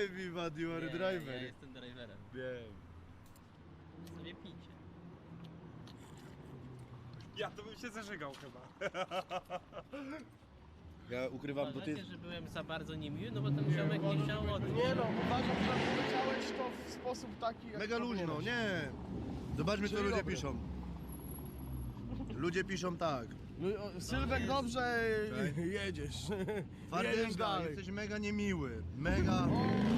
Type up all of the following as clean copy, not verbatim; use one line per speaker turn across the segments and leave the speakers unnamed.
Vivat, you are
Nie,
driver.
ja jestem driverem.
Wiem.
Sobie picie.
Ja to bym się zażygał chyba.
Ja ukrywam, bo ty...
Uważacie, że byłem za bardzo niemiły, no bo ten ziomek nie chciał odejść.
Nie no, uważam, że powiedziałeś to w sposób taki, jak
Mega luźno,
powinieneś.
nie. Zobaczmy, co
Czyli
ludzie
dobry.
piszą. Ludzie piszą tak.
No, Sylwek, dobrze jedziesz. Jedziesz
Wardenga,
dalej.
jesteś mega niemiły. Mega...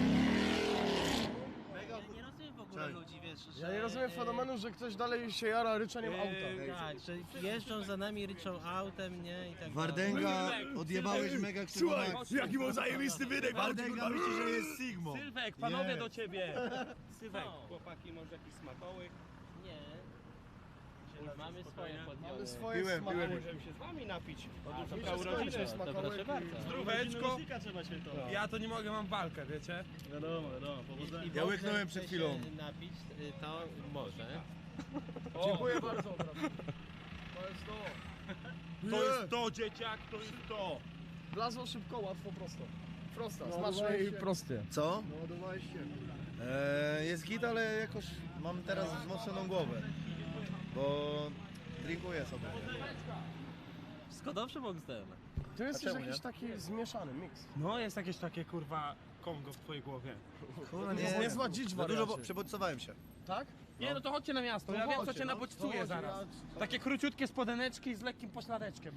Ja nie rozumiem w ogóle ludzi, wiesz, że...
Ja nie rozumiem fenomenu, że ktoś dalej się jara ryczeniem auta.
Tak, że jeżdżą za nami, ryczą autem, nie? I tak
Wardenga, odjebałeś mega krzywą akcję.
jaki był zajebisty wydech.
Wardenga myśli, że jest Sigmo.
Sylwek, panowie
Nie.
do ciebie. Sylwek,
No.
chłopaki, może jakiś smakołyk?
Nie. Mamy swoje podjemy.
Mamy swoje
Piłem,
smakołyki.
piłem.
Możemy się z wami napić.
Oczywiście skończę
To
smakołyki.
proszę bardzo.
Zdróweczko. Ja to nie mogę, mam walkę, wiecie?
Wiadomo, powodzenia.
Ja łyknąłem przed chwilą.
Chce się napić, to może.
Dziękuję bardzo. To jest to.
To jest to, dzieciak, to jest to.
Blazło szybko, łatwo, prosto. Prosta, smaczne i proste.
Co?
Naładowałeś się.
Jest git, ale jakoś mam teraz wzmocnioną głowę. Bo drinkuję sobie.
Skodowszy Boxdel.
Tu jest
czemu
jakiś
nie?
taki zmieszany miks.
No, jest jakieś takie, kurwa, Kongo w twojej głowie.
Kurwa,
jest niezła dzicz,
Za dużo
wariacie.
przebodźcowałem się.
Tak?
Nie, no to chodźcie na miasto, ja wiem, co cię nabodźcuje zaraz. Takie króciutkie spodeneczki z lekkim pośladeczkiem.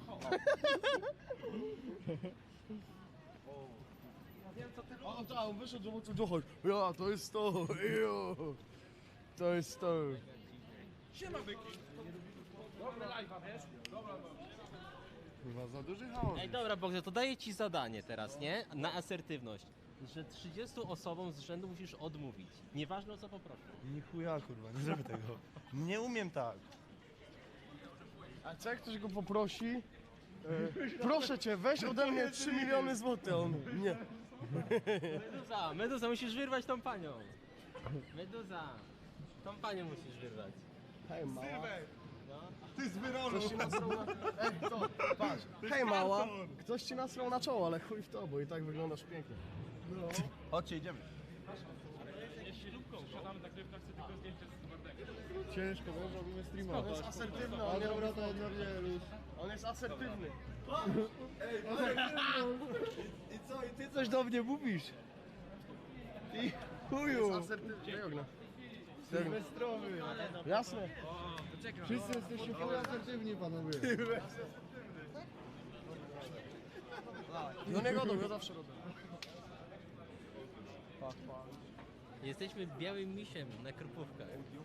O, tak, on wyszedł, zobaczył, dochodź. Ja, to jest to, jo. To jest to.
Siema, byki. Dobra live'a, wiesz?
Chyba za duży chaos.
Ej, dobra Boxdel, to daję ci zadanie teraz, nie? Na asertywność. Że 30 osobom z rzędu musisz odmówić. Nieważne o co poproszę.
Ni chuja, kurwa, nie zrobię tego. Nie umiem tak.
A co jak ktoś go poprosi? Proszę cię, weź ode mnie 3 miliony złotych. On, nie.
Meduza, musisz wyrwać tą panią. Meduza, tą panią musisz wyrwać.
Hej, mała.
Ty z wyrolu.
Ktoś ci nasrał na... Ej, to, patrz. Hej, mała. Ktoś ci nasrał na czoło, ale chuj w to, bo i tak wyglądasz pięknie.
Chodźcie, idziemy.
Ciężko, bo robimy streama.
On jest asertywny,
A
on, nie
dobra,
robi...
to odnawiasz.
on jest asertywny.
I co, i ty coś do mnie mówisz? I chuju.
Asertywny. Ognia.
Sylwestrowy.
Jasne.
Wszyscy jesteście full asertywni, panowie.
No nie godą, ja zawsze robię.
Jesteśmy białym misiem na krupówkach.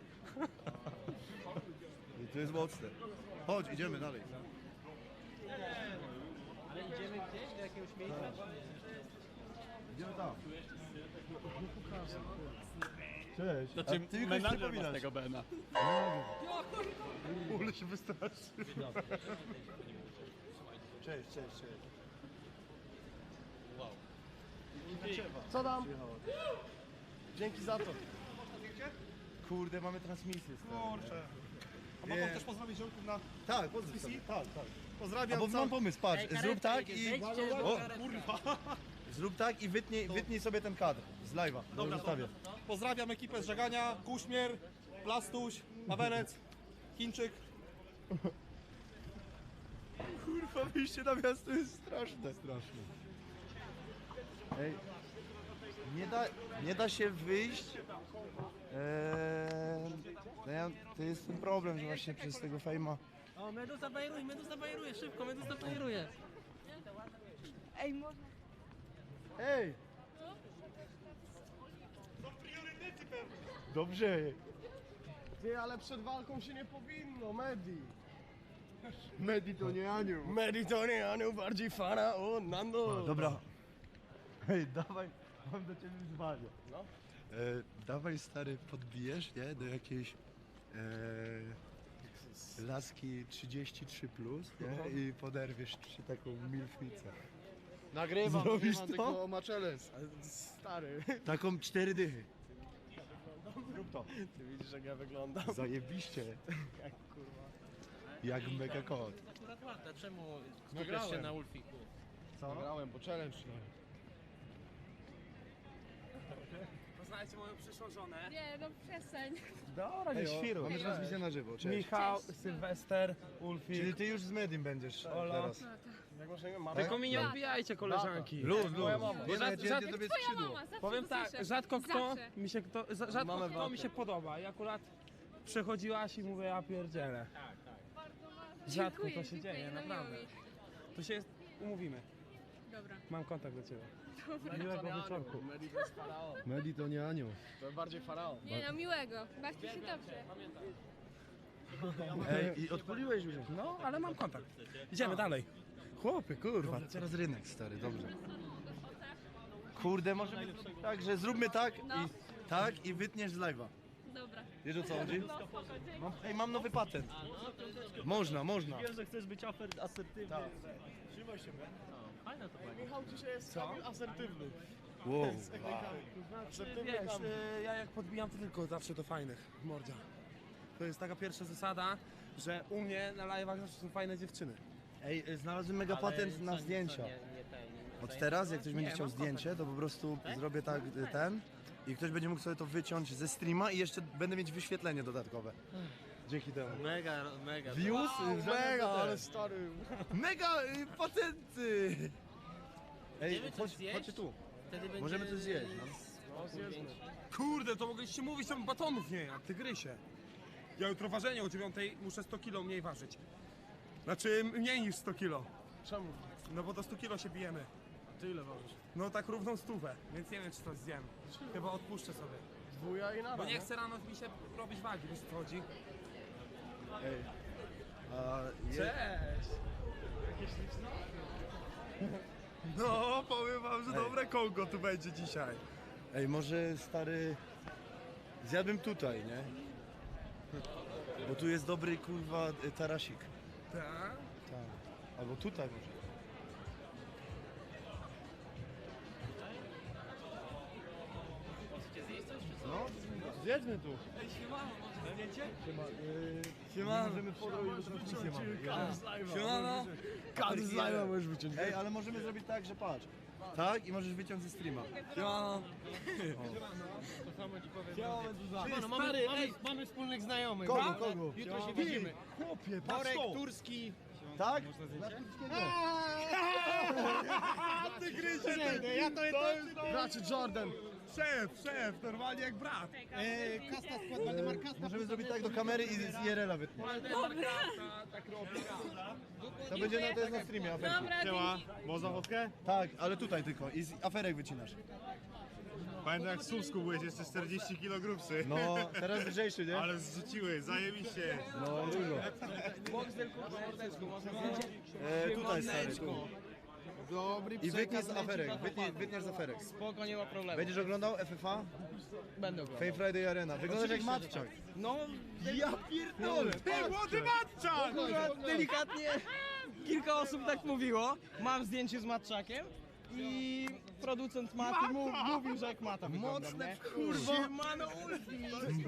I to jest mocne. Chodź, idziemy dalej.
Ale idziemy gdzieś do jakiegoś miejsca?
Idziemy tam. Cześć.
To
A ty mi kogoś przypominasz.
tego Bena.
Ule się wystraszy. Cześć, cześć, cześć.
Co tam? Dzięki za to.
Kurde, mamy transmisję.
Kurczę. A mogą też pozdrowić ziomków na...
Tak, pozdrów sobie. Tak, tak.
Pozdrawiam
Albo mam pomysł, patrz,
Ej, karetka
zrób tak
jedzie,
i...
zejdźcie, bo
O,
karetka.
kurwa. Zrób tak i wytnij sobie ten kadr z live'a.
Dobra,
zostawię.
Pozdrawiam ekipę z Żegania, Kuśmier, Plastuś, Mawerec, Chińczyk.
Kurwa, wyjście na miasto jest straszne. Straszne. Ej, nie da się wyjść. To jest ten problem, że właśnie przez tego fejma.
O, Meduza bajeruje, szybko, Meduza bajeruje.
Ej, można.
Ej,
Dobrze.
ty, ale przed walką się nie powinno, Medi.
Medi to nie anioł.
Medi to nie, Aniu, bardziej fana, o, Nando.
Dobra. Hej, dawaj, mam do ciebie wyzwanie.
No.
Dawaj, stary, podbijesz, nie? Do jakiejś laski 33+, nie? I poderwiesz ci taką milfnicę.
Nagrywam,
Zrobisz
nagrywam,
to?
tylko ma challenge.
Stary,
Taką 4 dychy.
ty widzisz jak ja wyglądam.
Zajebiście.
Jak kurwa.
Jak mega kot.
Akurat ładna, czemu skupiasz
Nagrałem.
się na Ulfiku?
Co?
Nagrałem, bo challenge.
poznajcie moją przyszłą żonę.
Nie, no przestań.
Dobra, nie świru.
Mamy transmisję na żywo, cześć.
Michał, Sylwester, Ulfik.
Czyli ty już z Medim będziesz teraz.
Jak masz na imię?
Tylko mi nie odbijajcie, koleżanki.
Luz.
Moja mama.
Nie,
Żad-
jedzie
żad-
tobie
Twoja
skrzydło.
mama, zawsze
Powiem
to
tak,
słyszę.
rzadko
Zawsze.
rzadko kto mi się podoba i akurat przechodziłaś i mówię, ja pierdzielę. Rzadko
Dziękuję,
to się dzieje,
dziękuję, no
naprawdę.
miło mi.
To się umówimy.
Dobra.
Mam kontakt do ciebie. Miłego wieczorku.
Medi to nie anioł.
To bardziej faraon.
Nie no, miłego. Bawcie się dobrze.
Ej, i odpaliłeś już.
No, ale mam kontakt. Idziemy dalej. Chłopie, kurwa.
Teraz rynek, stary, dobrze. Kurde, może być tak, że zróbmy tak i wytniesz z live'a.
Dobra.
Wiesz o co chodzi? Mam nowy patent. Można.
Wiem, że chcesz być asertywny.
Tak.
Trzymaj się,
Fajne to będzie.
Michał dzisiaj jest asertywny.
Wow.
Asertywny
Wiesz,
tam.
ja jak podbijam, to tylko zawsze do fajnych, mordzia. To jest taka pierwsza zasada, że u mnie na live'ach zawsze są fajne dziewczyny.
Ej, znalazłem mega patent na zdjęcia. Od teraz, jak ktoś będzie chciał zdjęcie, to po prostu zrobię tak ten i ktoś będzie mógł sobie to wyciąć ze streama i jeszcze będę mieć wyświetlenie dodatkowe. Dzięki temu.
Mega.
Views?
Mega, ale stary.
Mega patenty! Ej,
Idziemy coś zjeść?
chodźcie tu.
Wtedy będzie...
Możemy coś zjeść,
Kurde, to mogliście mówić, tam batonów nie jak tygrysie. Ja jutro ważenie o 9 muszę 100 kilo mniej ważyć. Znaczy mniej niż 100 kilo.
Czemu?
No bo do 100 kilo się bijemy.
Ty ile ważysz?
No tak równą stówę, więc nie wiem czy to zjem. Chyba odpuszczę sobie.
Dwuja i nara,
Bo nie chcę rano mi się robić wagi, wiesz o co chodzi?
Ej.
Cześć! No, powiem wam, że dobre kołko tu będzie dzisiaj.
Ej, może stary... Zjadłbym tutaj, nie? Bo tu jest dobry, kurwa, tarasik.
Tak?
Tak. Albo tutaj może. No, zjedźmy tu. Ej, siemano, możemy podrobić transmisję mamy.
Siemano!
Kadr z live'a możesz wyciąć.
Ej, ale możemy zrobić tak, że patrz. Tak i możesz wyciąć ze streama.
Siemano!
Mamy wspólnych znajomych.
Kogo?
Jutro się widzimy. Chłopie, patrz to. Turski.
Tak?
Ty gryzie,
Ja to Bracie Jordan.
Szef, normalnie jak brat.
Kasta skład Waldemar Kasta.
Możemy zrobić tak do kamery i z IRL-a wytniesz.
Tak robi.
To będzie to jest na streamie, aferki.
Dobra, dzięki.
Można fotkę?
Tak, ale tutaj tylko i z aferek wycinasz.
Pamiętam jak w Słupsku byłeś jeszcze 40 kg grubszy.
No, teraz lżejszy, nie?
Ale zrzuciły, zajebiście.
No, dużo. Tutaj stary, tu.
Dobry
I wytniesz z aferek, wytniesz z aferek.
Spoko, nie ma problemu.
Będziesz oglądał FFA?
Będę oglądał.
Fame Friday Arena. Wyglądasz jak matczak.
No,
Ja pierdolę!
Ty młody matczak!
delikatnie kilka osób tak mówiło. Mam zdjęcie z Matczakiem i producent Maty mówił, że jak Mata wygląda. Mocne kurwa. Siemano Ulfi.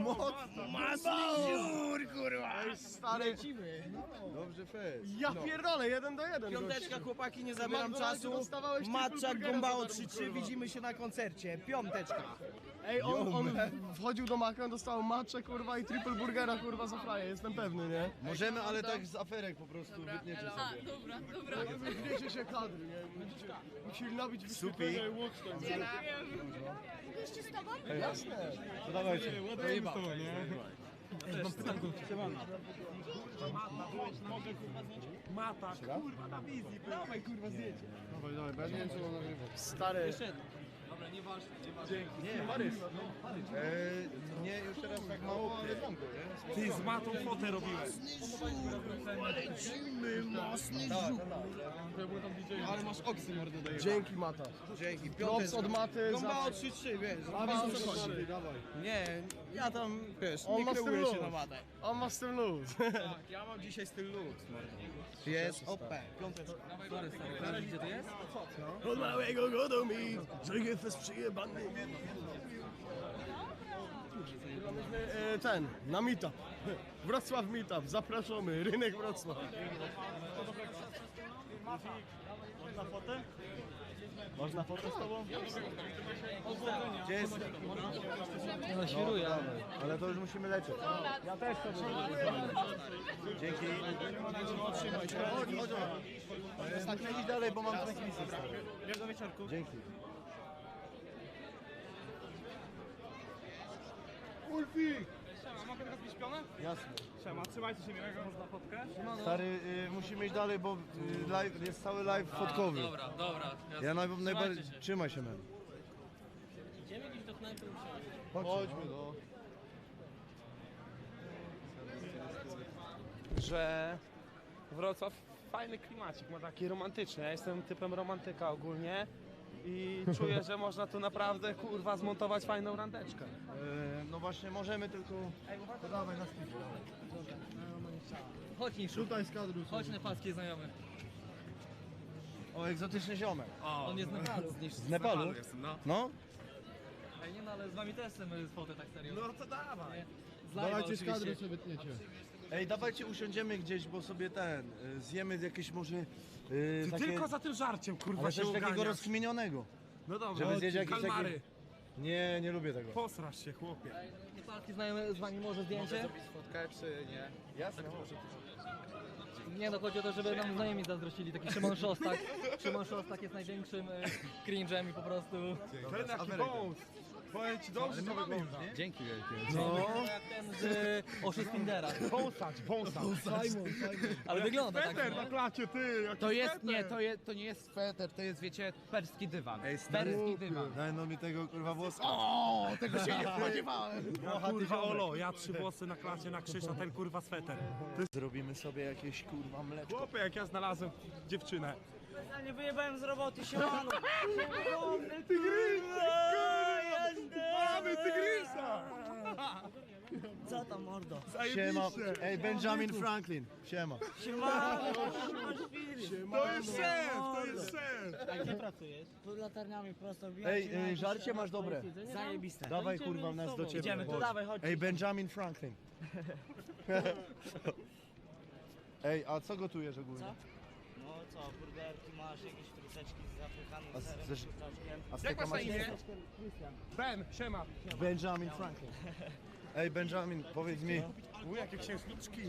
Mocny kurwa. Stary. Lecimy.
Dobrze, fest.
Ja pierdolę, 1-1. Piąteczka chłopaki, nie zabieram czasu. Matczak Gombało 3-3, widzimy się na koncercie. Piąteczka. Ej, on wchodził do Maka, on dostał matczę kurwa i triple burgera kurwa za fraję, jestem pewny, nie?
Możemy, ale tak z aferek po prostu wytniecie
A,
sobie.
dobra.
Wiecie się kadry, nie? Musieli nabić wyświetlenia i łuk tam.
Jeszcze z tobą?
Jasne.
To dawajcie.
Mata, kurwa na wizji.
Dawaj kurwa zdjęcie.
Dawaj, bo ja nie wiem co mam nagrywać.
Stary.
Nie, Marys. Nie, już teraz tak mało, ale znam go, nie?
Ty z matą fotę robiłeś.
Ale masz oksy mordę daje. Dzięki Mata. Dzięki. Props od Maty. Gombało 3-3, wiesz. A wiesz o co chodzi. Nie, ja tam, wiesz,
On
nie
ma
kreuję
styl
się
luz.
na Matę.
On ma z tym luz.
Tak, ja mam dzisiaj styl luz. Jest OP. Piąteczka. Gdzie to jest? Od małego godą mi, że jest przyjebany.
Ten, na meetup. Wrocław meetup, zapraszamy, rynek Wrocław.
Można foto z tobą?
Gdzie jest?
No świruję.
Ale to już musimy lecieć.
Ja też to
Dzięki. Chodź, chodź. Tak, idź dalej, bo mam transmisję.
Miłego wieczorku.
Dzięki.
Mogę teraz być śpione?
Jasne.
Siema, trzymajcie się miłego. Można fotkę?
Stary, musimy iść dalej, bo live, jest cały live fotkowy.
Dobra, dobra.
Ja najbardziej... Trzymaj się, man.
Idziemy gdzieś do knajpy usiąść.
Chodźmy, no.
Że Wrocław fajny klimacik, ma taki romantyczny. Ja jestem typem romantyka ogólnie i czuję, że można tu naprawdę kurwa zmontować fajną randeczkę.
No właśnie, możemy tylko... To dawaj na spidzie.
Chodź Niszu.
Tutaj z kadru.
Chodź nepalski znajomy.
O, egzotyczny ziomek.
On jest z Nepalu.
Z Nepalu? No?
Ej, nie no, ale z wami też chcemy fotę tak serio. No
to dawaj.
z live'a oczywiście.
sobie tniecie. Ej, dawajcie usiądziemy gdzieś, bo sobie zjemy jakieś może takie...
Tylko za tym żarciem kurwa
Ale
się
coś takiego
oganiasz.
rozkminionego.
No dobrze,
żeby zjeść jakieś
kalmary.
takie... Nie, nie lubię tego.
Posrasz się chłopie.
Nepalski znajomy z wami może zdjęcie?
Fotkę czy nie?
Jasne.
Nie no, chodzi o to, żeby nam znajomi zazdrościli. Taki Szymon Szostak. Szymon Szostak jest największym cringe'em i po prostu...
Ten jaki wąs. Powiem ci dobrze, to wygląda.
Dzięki wielkie.
No.
Jak ten z Oszust Tindera.
Wąsacz.
Ale wygląda tak.
Peter na klacie, ty. Jaki
To jest,
Peter.
nie, to nie jest sweter, to jest, wiecie, perski dywan.
Ej, stary,
Perski dywan.
daj no mi tego kurwa włoska.
O, tego się nie spodziewałem.
Kurwa Olo, ja 3 włosy na klacie na krzyż, a ten kurwa sweter.
Zrobimy sobie jakieś kurwa mleczko.
Chłopie, jak ja znalazłem dziewczynę.
Nie wyjebałem z roboty, siemano!
Mamy tygrysa!
Co tam, mordo?
Siema. Ej, Benjamin Franklin. Siema.
Siemano! Masz film!
To jest szef, to jest szef!
A gdzie pracujesz? Pod latarniami prosto wbijam ci na
Ej,
jakiś
żarcie
temat,
masz dobre.
Zajebiste.
Dawaj kurwa nas do ciebie.
Idziemy, to
Chodź.
dawaj, chodź.
Ej, Benjamin Franklin. Ej, a co gotujesz ogólnie?
Co? No co, burgerki masz, jakieś fruteczki z zapychanym
A
serem,
zesz-
kurczaczkiem.
A z
Jak
tego
masz na
masz
imię? Ben, siema.
Benjamin Franklin. Ej, Benjamin, powiedz mi.
Jakie księżniczki.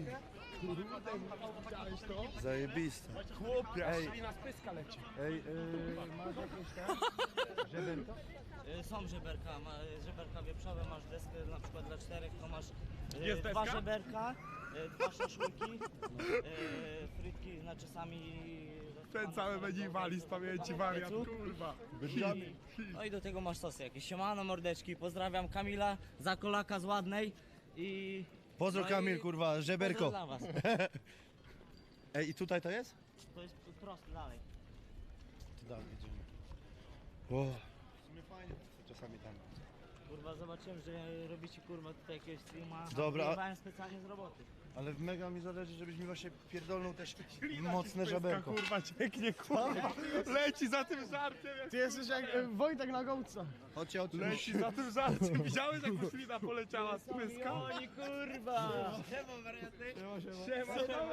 Zajebiste.
Chłopie,
Ej.
aż na spyska leci.
Ej, masz jakieś żeberka?
Są żeberka, żeberka wieprzowe, masz deskę na przykład dla 4, to masz
Jest
2
deska?
żeberka, 2 szaszłyki, frytki, znaczy sami...
Ten cały będzie wali z pamięci wariat, kurwa.
No i do tego masz sosy jakieś. Siemano mordeczki, pozdrawiam Kamila, Zakolaka z Ładnej i...
Pozdro
no i
Kamil, kurwa, żeberko.
pozdro dla was.
Ej, i tutaj to jest?
To jest prosto dalej.
To dalej idziemy. O, w sumie fajnie czasami tam.
Kurwa, zobaczyłem, że robicie kurwa tutaj jakiegoś streama.
Dobra, a-
Wyjebałem specjalnie z roboty.
Ale mega mi zależy, żebyś mi właśnie pierdolnął też mocne żeberko.
Kurwa, cieknie, kurwa. Leci za tym żarciem.
Ty jesteś jak Wojtek na gołca.
Chodźcie,
Leci za tym żarciem. Widziałeś, jak poślina poleciała z pyska?
Oni kurwa!
Siema.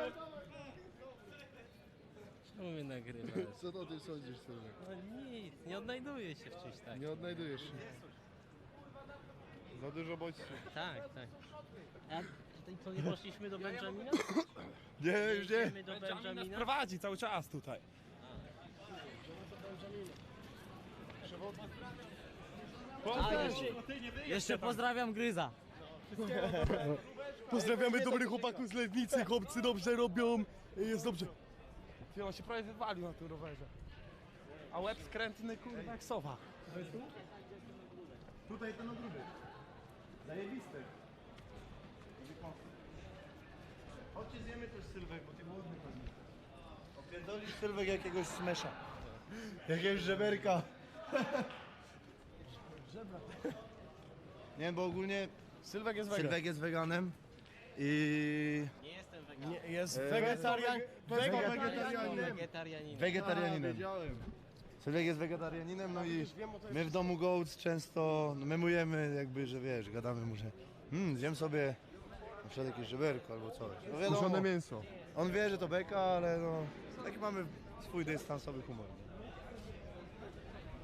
Czemu mnie nagrywasz?
Co to ty sądzisz sobie?
No nic, nie odnajduję się w czymś takim.
Nie odnajdujesz się. Za dużo bodźców.
Tak, tak. A to nie poszliśmy do Benjamina?
Nie, już nie.
Idziemy do
Benjamin nas
Benjamina?
prowadzi cały czas tutaj.
Jeszcze pozdrawiam Gryza.
Pozdrawiamy dobrych chłopaków z Legnicy, chłopcy dobrze robią, jest dobrze.
Ty, on się prawie wywalił na tym rowerze. A łeb skrętny, kurwa, jak sowa.
Tutaj ten ogródek. Zajebiste. Chodźcie zjemy też sylwek, bo ty głodny pewnie. Opierdolisz sylwek jakiegoś smesza. Jakiegoś żeberka. Nie, bo ogólnie
Sylwek jest
Sylwek jest weganem i
Nie jestem weganem.
Jest
Wegetarianinem.
Sylwek jest wegetarianinem, no i my w domu Goats często memujemy jakby, że wiesz, gadamy mu, że zjem sobie na przykład jakieś żeberko albo coś. No wiadomo,
mięso.
on wie, że to beka, ale no taki mamy swój dystansowy humor.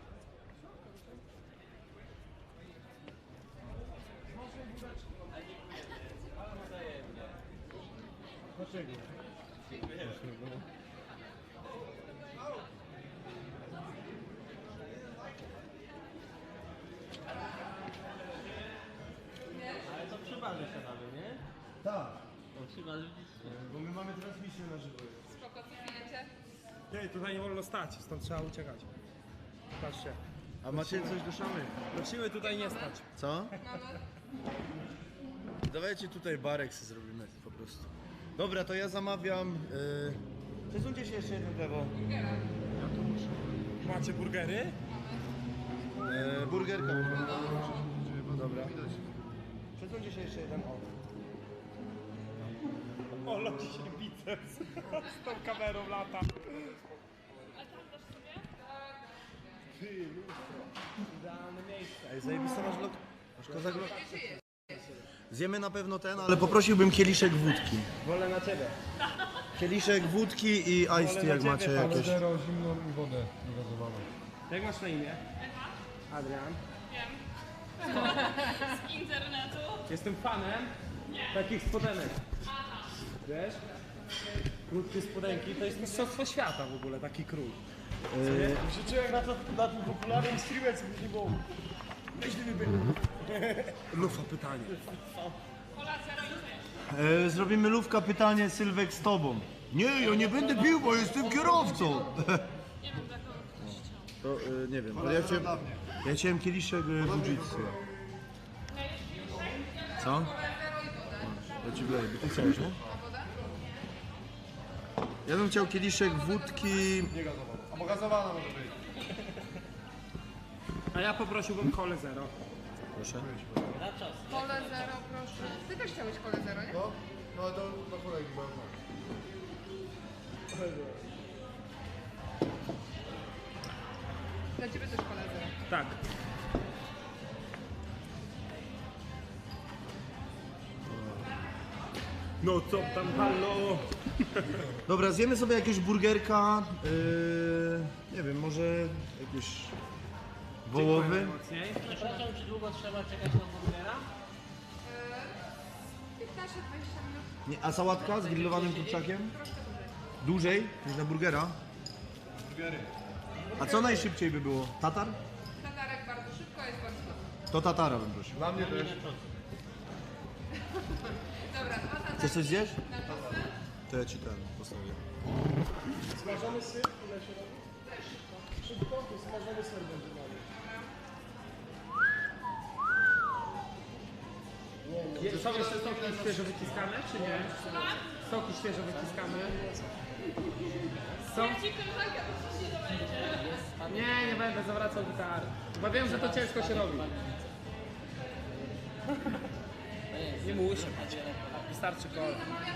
Ale to przy barze siadamy, nie?
Tak,
To przy barze widzicie.
bo my mamy transmisję na żywo.
Spoko, co pijecie?
Nie, tutaj nie wolno stać, stąd trzeba uciekać. Patrzcie.
A macie coś do szamy?
Do siły tutaj nie stać.
Co? Dawajcie tutaj barek sobie zrobimy po prostu. Dobra, to ja zamawiam... Przesuńcie się jeszcze jedno lewo.
Macie burgery?
Burgerka. Dobra. Przesuńcie się jeszcze jeden. O.
O, leci się biceps. Z tą kamerą lata. Idealne miejsce.
Ej, zajebiste masz lok. Masz kozak lok. Zjemy na pewno ten, ale poprosiłbym kieliszek wódki.
Wolę na ciebie.
Kieliszek wódki i iced tea, jak macie jakieś.
Zero, zimną i wodę gazowaną.
Jak masz na imię? Adrian.
Z internetu?
Jestem fanem takich spodenek. Wiesz? Krótkie spodenki to jest mistrzostwo świata w ogóle, taki krój.
Się czuję jak na tym popularnym streamie, co nie było.
Lufa pytanie.
Kola zero i ty.
Zrobimy lówka pytanie Sylwek z tobą. Nie, ja nie będę pił, bo jestem kierowcą.
Nie wiem, za kogo ktoś chciał.
To nie wiem, ale ja chciałem kieliszek Fujitsu. Co? Ja ci wleję, bo ty chciałeś, nie? Ja bym chciał kieliszek wódki.
A gazowana może być.
A ja poprosiłbym kolę zero.
Proszę.
Kole zero, proszę. Ty też chciałeś kole zero, nie?
No to na kolegi będą.
Dla ciebie też kole zero.
Tak. No co tam, halo?
Dobra, zjemy sobie jakiegoś burgerka. Nie wiem, może jakiś wołowy.
Mocniej.
Przepraszam, czy długo trzeba czekać na burgera?
15-20 minut.
Nie, a sałatka z grillowanym kurczakiem? Dłużej niż na burgera? A co najszybciej by było? Tatar?
Tatarek bardzo szybko, jest bardzo dobry.
To tatara bym prosił.
Dla mnie też.
Dobra, dwa tatarki.
Chcesz coś zjeść?
Na czosy.
To ja ci ten postawię.
Smażony syr, ile się robi? Szybko, to smażony ser będzie mamy.
Są jeszcze soki świeżo wyciskane, czy nie? Soki świeżo wyciskane. Są? Nie będę zawracał gitary. Bo wiem, że to ciężko się robi. Nie muszę. Wystarczy kola.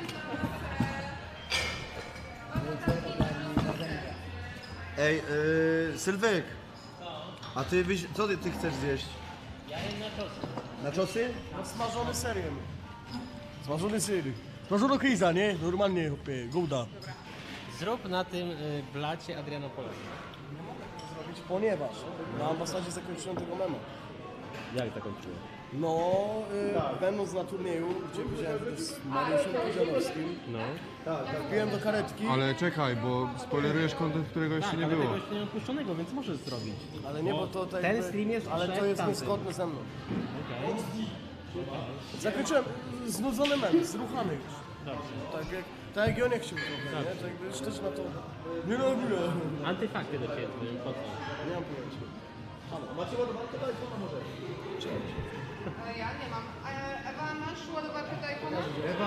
Ej, Sylwek! A ty, co ty chcesz zjeść?
Ja jem na czosy.
Na czosy?
No smażony serem. Smażony ser. Smażono kriza, nie? Normalnie, hopie, gouda.
Zrób na tym blacie Adrianopola.
Zrobić, ponieważ na ambasadzie zakończyłem tego mema.
Jak to kończyło?
No, będąc na turnieju, gdzie widziałem też z Mariuszem Kudzianowskim,
No.
wbiłem do karetki,
Ale czekaj, bo spoilerujesz content, którego jeszcze nie było.
Tego jeszcze nie opuszczonego, więc możesz zrobić.
ale nie, bo to tak
ten
jakby-
stream jest
ale to
przed
jest
tamtym.
niezgodne ze mną.
Okej.
Zakończyłem znudzony mem, zruchany już. Tak jak Joniek chciał trochę, nie? To jakby już też na to... Nie robię.
Antyfakty do ciebie, po co?
Nie mam pojęcia.
Macie ładowarkę do iPhone'a może?
Ja nie mam. Ewa, masz ładowarkę do iPhone'a?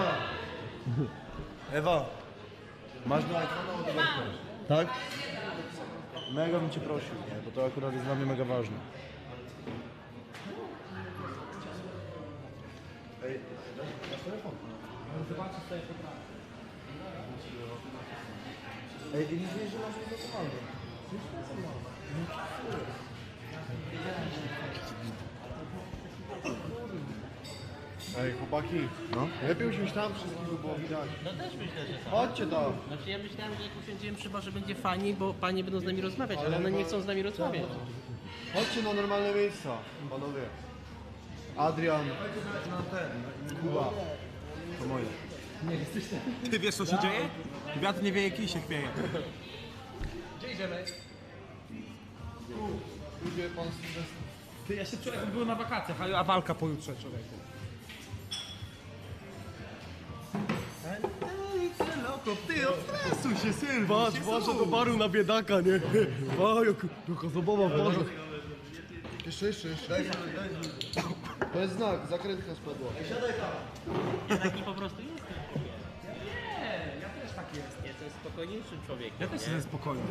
Ewa, masz do iPhone'a ładowarkę? Tak? Mega bym cię prosił, nie? Bo to akurat jest dla mnie mega ważne. Ej, masz telefon?
Zobaczysz sobie poprawę.
Ej, i nie wiesz, że masz niedokonanego.
Ej, chłopaki.
No.
Lepiej usiąść tam wszystkich, by było widać.
No też myślę, że tak.
Chodźcie tam.
Znaczy ja myślałem, że jak usiądziemy chyba, że będzie fajniej, bo panie będą z nami rozmawiać, ale one nie chcą z nami rozmawiać.
Chodźcie na normalne miejsca, panowie. Adrian.
Kuba. To moje.
Ty wiesz co się dzieje? Wiatr nie wieje, kij się chwieje. Gdzie idziemy? Ty, ja się czuję jakbym był na wakacjach, a walka pojutrze, człowieku.
Ty, odstresuj się, syn!
Patrz, patrzę do baru na biedaka, nie? O, jaka zabawa w barze.
Jeszcze. To jest znak, zakrętka spadła.
Ja taki po prostu jestem.
Nie, ja też tak jest.
Jestem spokojniejszym człowiekiem.
Ja też
nie?
jestem spokojny.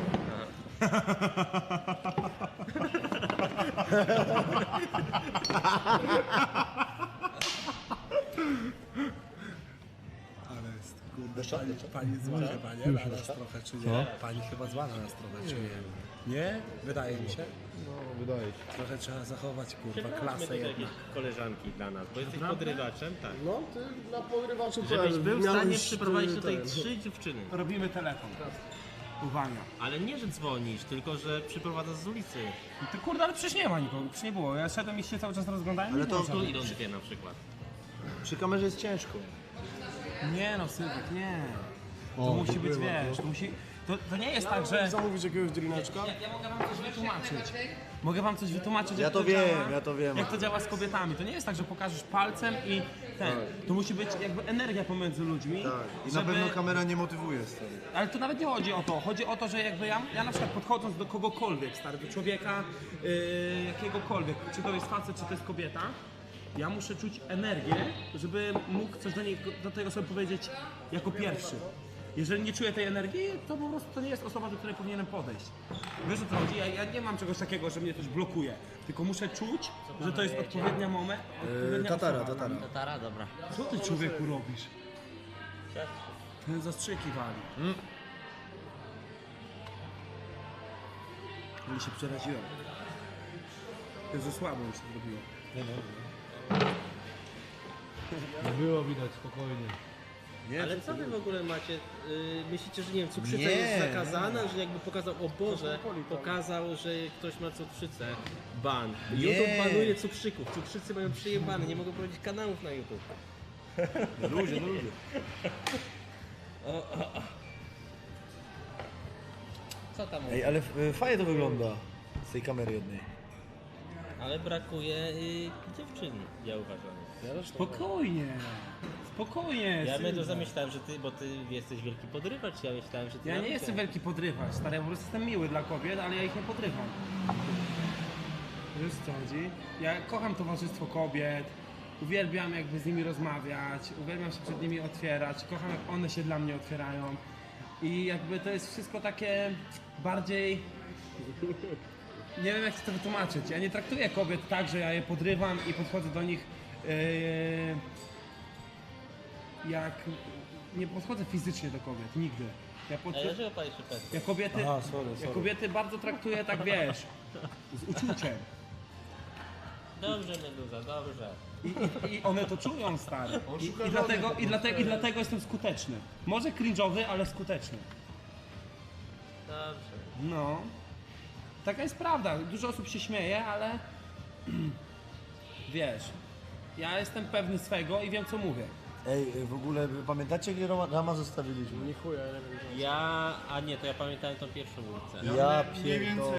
Ale jest, kurde, pani zła chyba, nie? Na nas trochę, czy nie? Pani chyba zła na nas trochę, czy nie? Nie? Wydaje mi się.
No, wydaje się.
Trochę trzeba zachować, kurwa,
Przepraszamy
klasę
tutaj
jednak.
jakieś koleżanki dla nas, bo jesteś podrywaczem, tak.
No, ty na pogrywaczu
Żebyś był w stanie
miałeś,
przyprowadzić tutaj
ten.
3 dziewczyny.
Robimy telefon. Uwaga.
Ale nie, że dzwonisz, tylko że przyprowadzasz z ulicy.
Ty kurde, ale przecież nie ma nikogo, przecież nie było. Ja szedłem i się cały czas rozglądałem.
Ale
nie
to
było
Tu
żadnych.
idą dwie na przykład.
Przy kamerze jest ciężko.
Nie no, Sylwek, nie. To musi być, wiesz, to musi... To nie jest tak, że...
Zamówić jakiegoś drineczka?
Ja mogę wam coś wytłumaczyć. Mogę wam coś wytłumaczyć,
Ja
jak
to
działa,
wiem, ja to wiem.
Jak to działa z kobietami. To nie jest tak, że pokażesz palcem i ten. To musi być jakby energia pomiędzy ludźmi.
Tak. I na
żeby-
pewno kamera nie motywuje, stary.
Ale to nawet nie chodzi o to. Chodzi o to, że jakby ja na przykład podchodząc do kogokolwiek, stary, do człowieka, jakiegokolwiek, czy to jest facet, czy to jest kobieta, ja muszę czuć energię, żeby mógł coś do tej osoby powiedzieć jako pierwszy. Jeżeli nie czuję tej energii, to po prostu to nie jest osoba, do której powinienem podejść. Wiesz o co chodzi? Ja nie mam czegoś takiego, że mnie coś blokuje. Tylko muszę czuć, że to jest odpowiednia moment.
Tatara.
Tatara, dobra.
Co ty człowieku robisz? Ten zastrzyki wali. Ale się przeraziłem. To za słabo mi się zrobiło.
Było widać, spokojnie.
Nie,
Ale co wy w ogóle macie? Myślicie, że nie wiem, cukrzyca
Nie.
jest zakazana, że jakby pokazał, o Boże, pokazał, że ktoś ma cukrzycę. Ban. YouTube banuje cukrzyków. Cukrzycy mają przyjebane, nie mogą prowadzić kanałów na YouTube.
ludzie.
Co tam
Ej, ale fajnie to wygląda z tej kamery jednej.
Ale brakuje dziewczyn, ja uważam.
Spokojnie. Spokojnie.
Ja
Sylwia.
mnie to zamyślałem, że ty, bo ty jesteś wielki podrywacz, ja myślałem, że ty...
Ja nie
naukę.
jestem wielki podrywacz, stary, ja po prostu jestem miły dla kobiet, ale ja ich nie podrywam. Wiesz co chodzi? Ja kocham towarzystwo kobiet, uwielbiam jakby z nimi rozmawiać, uwielbiam się przed nimi otwierać, kocham jak one się dla mnie otwierają. I jakby to jest wszystko takie bardziej... Nie wiem jak ci to wytłumaczyć. Ja nie traktuję kobiet tak, że ja je podrywam i podchodzę do nich jak... Nie podchodzę fizycznie do kobiet, nigdy. Ja
A dlaczego palisz szybko?
ja kobiety, ja kobiety bardzo traktuję tak, wiesz, z uczuciem.
Dobrze, Meduza, dobrze.
I one to czują, stary. I dlatego jestem skuteczny. Może cringe'owy, ale skuteczny.
Dobrze.
No. Taka jest prawda. Dużo osób się śmieje, ale wiesz, ja jestem pewny swego i wiem co mówię.
Ej, w ogóle wy pamiętacie, gdzie Rama zostawiliśmy?
Ja... A nie, to ja pamiętałem tą pierwszą ulicę.
Ja pierdolę.